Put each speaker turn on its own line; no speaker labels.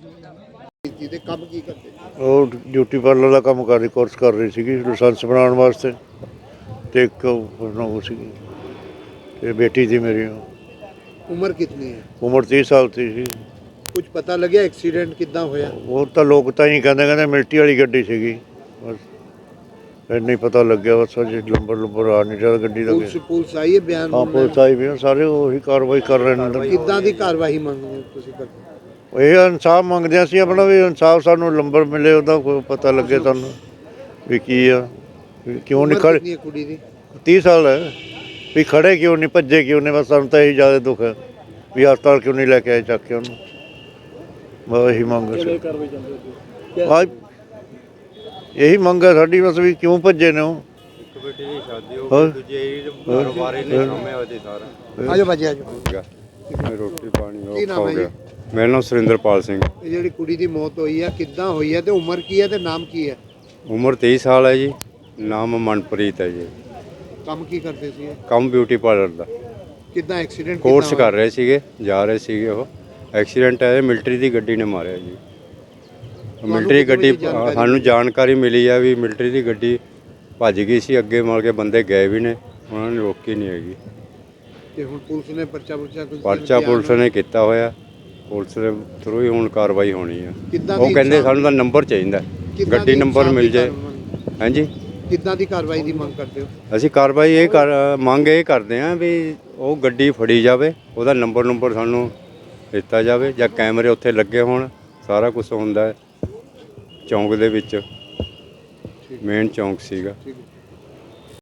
ਤੇ ਕੰਮ ਕੀ ਕਰਦੇ?
ਉਹ ਡਿਊਟੀ ਪਾਰਲਰ ਦਾ ਕੰਮ ਕਰ ਰਹੀ, ਕੋਰਸ ਕਰ ਰਹੀ ਸੀਗੀ ਲਾਇਸੈਂਸ ਬਣਾਉਣ ਵਾਸਤੇ। ਤੇ ਇੱਕ ਉਹ ਸੀਗੀ ਤੇ ਬੇਟੀ ਸੀ ਮੇਰੀ।
ਉਮਰ ਕਿੰਨੀ ਹੈ?
ਉਮਰ 30 ਸਾਲ ਸੀ।
ਕੁਝ ਪਤਾ ਲੱਗਿਆ ਐਕਸੀਡੈਂਟ ਕਿੱਦਾਂ ਹੋਇਆ?
ਉਹ ਤਾਂ ਲੋਕ ਤਾਂ ਹੀ ਕਹਿੰਦੇ ਮਿਲਟਰੀ ਵਾਲੀ ਗੱਡੀ ਸੀਗੀ, ਬਸ ਨਹੀਂ ਪਤਾ ਲੱਗਿਆ। ਬਸ ਅਜੇ ਨੰਬਰ ਆ ਨਹੀਂ ਰਿਹਾ ਗੱਡੀ ਦਾ।
ਪੁਲਿਸ ਆਈ ਹੈ ਬਿਆਨ?
ਹਾਂ, ਪੁਲਿਸ ਆਈ ਵੀ ਸਾਰੇ ਉਹੀ ਕਾਰਵਾਈ ਕਰ ਰਹੇ ਨੇ।
ਕਿੱਦਾਂ ਦੀ ਕਾਰਵਾਈ ਮੰਗਦੇ ਹੋ ਤੁਸੀਂ?
ਇਹ ਇਨਸਾਫ ਮੰਗਦੇ ਹਾਂ ਅਸੀਂ ਆਪਣਾ, ਵੀ ਇਨਸਾਫ ਸਾਨੂੰ ਨੰਬਰ ਮਿਲੇ, ਉਹਦਾ ਕੋਈ ਪਤਾ ਲੱਗੇ ਸਾਨੂੰ ਵੀ ਕੀ ਆ, ਕਿਉਂ ਨਹੀਂ ਖੜੇ।
ਕਿੰਨੀ ਕੁੜੀ ਦੀ?
30 ਸਾਲ ਹੈ। ਵੀ ਖੜੇ ਕਿਉਂ ਨਹੀਂ, ਭੱਜੇ ਕਿਉਂ ਨਹੀਂ? ਬਸ ਸਾਨੂੰ ਤਾਂ ਇਹੀ ਜ਼ਿਆਦਾ ਦੁੱਖ ਹੈ ਵੀ ਹਸਪਤਾਲ ਕਿਉਂ ਨਹੀਂ ਲੈ ਕੇ ਆਏ ਚੱਕ ਕੇ ਉਹਨੂੰ। ਬਸ ਇਹੀ ਮੰਗ ਹੈ, ਇਹੀ ਮੰਗ ਹੈ ਸਾਡੀ, ਬਸ ਵੀ ਕਿਉਂ ਭੱਜੇ ਨੇ ਉਹ।
ਇੱਕ ਬੇਟੀ ਦੀ ਸ਼ਾਦੀ ਹੋ ਗਈ, ਦੂਜੇ ਕਾਰੋਬਾਰੀ ਨੇ ਸਾਹਮਣੇ ਉਹਦੇ ਸਾਰਾ।
ਆਜੋ ਭਾਜੀ ਆਜੋ।
ਰੋਟੀ ਪਾਣੀ ਹੋ ਗਿਆ। ਮੇਰਾ ਨਾਮ ਸੁਰਿੰਦਰਪਾਲ ਸਿੰਘ।
ਇਹ ਜਿਹੜੀ ਕੁੜੀ ਦੀ ਮੌਤ ਹੋਈ ਹੈ ਕਿੱਦਾਂ ਹੋਈ ਹੈ ਤੇ ਉਮਰ ਕੀ ਹੈ ਤੇ ਨਾਮ ਕੀ ਹੈ?
ਉਮਰ 23 ਸਾਲ ਹੈ ਜੀ। ਨਾਮ ਮਨਪ੍ਰੀਤ ਹੈ ਜੀ।
ਕੰਮ ਕੀ ਕਰਦੇ ਸੀ?
ਕੰਮ ਬਿਊਟੀ ਪਾਰਲਰ ਦਾ।
ਕਿੱਦਾਂ ਐਕਸੀਡੈਂਟ?
ਕੋਰਸ ਕਰ ਰਹੇ ਸੀਗੇ, ਜਾ ਰਹੇ ਸੀਗੇ ਉਹ। ਐਕਸੀਡੈਂਟ ਹੈ, ਮਿਲਟਰੀ ਦੀ ਗੱਡੀ ਨੇ ਮਾਰਿਆ ਜੀ। ਮਿਲਟਰੀ ਗੱਡੀ ਸਾਨੂੰ ਜਾਣਕਾਰੀ ਮਿਲੀ ਆ ਵੀ ਮਿਲਟਰੀ ਦੀ ਗੱਡੀ ਭੱਜ ਗਈ ਸੀ ਅੱਗੇ, ਮਾਰ ਕੇ ਬੰਦੇ ਗਏ ਵੀ ਨੇ, ਉਹਨਾਂ ਨੇ ਰੋਕੀ ਨਹੀਂ ਹੈਗੀ।
ਤੇ ਹੁਣ ਪੁਲਿਸ ਨੇ ਪਰਚਾ
ਪੁਲਿਸ ਨੇ ਕੀਤਾ ਹੋਇਆ। ਪੁਲਿਸ ਦੇ ਥਰੂ ਹੀ ਹੁਣ ਕਾਰਵਾਈ ਹੋਣੀ ਆ। ਉਹ ਕਹਿੰਦੇ ਸਾਨੂੰ ਤਾਂ ਨੰਬਰ ਚਾਹੀਦਾ, ਗੱਡੀ ਨੰਬਰ ਮਿਲ ਜਾਏ। ਹਾਂਜੀ,
ਕਿੱਦਾਂ ਦੀ ਕਾਰਵਾਈ ਦੀ ਮੰਗ ਕਰਦੇ ਹੋ?
ਅਸੀਂ ਕਾਰਵਾਈ ਮੰਗ ਇਹ ਕਰਦੇ ਹਾਂ ਵੀ ਉਹ ਗੱਡੀ ਫੜੀ ਜਾਵੇ, ਉਹਦਾ ਨੰਬਰ ਸਾਨੂੰ ਦਿੱਤਾ ਜਾਵੇ, ਜਾਂ ਕੈਮਰੇ ਉੱਥੇ ਲੱਗੇ ਹੋਣ। ਸਾਰਾ ਕੁਝ ਹੁੰਦਾ ਹੈ ਚੌਂਕ ਦੇ ਵਿੱਚ, ਮੇਨ ਚੌਂਕ ਸੀਗਾ।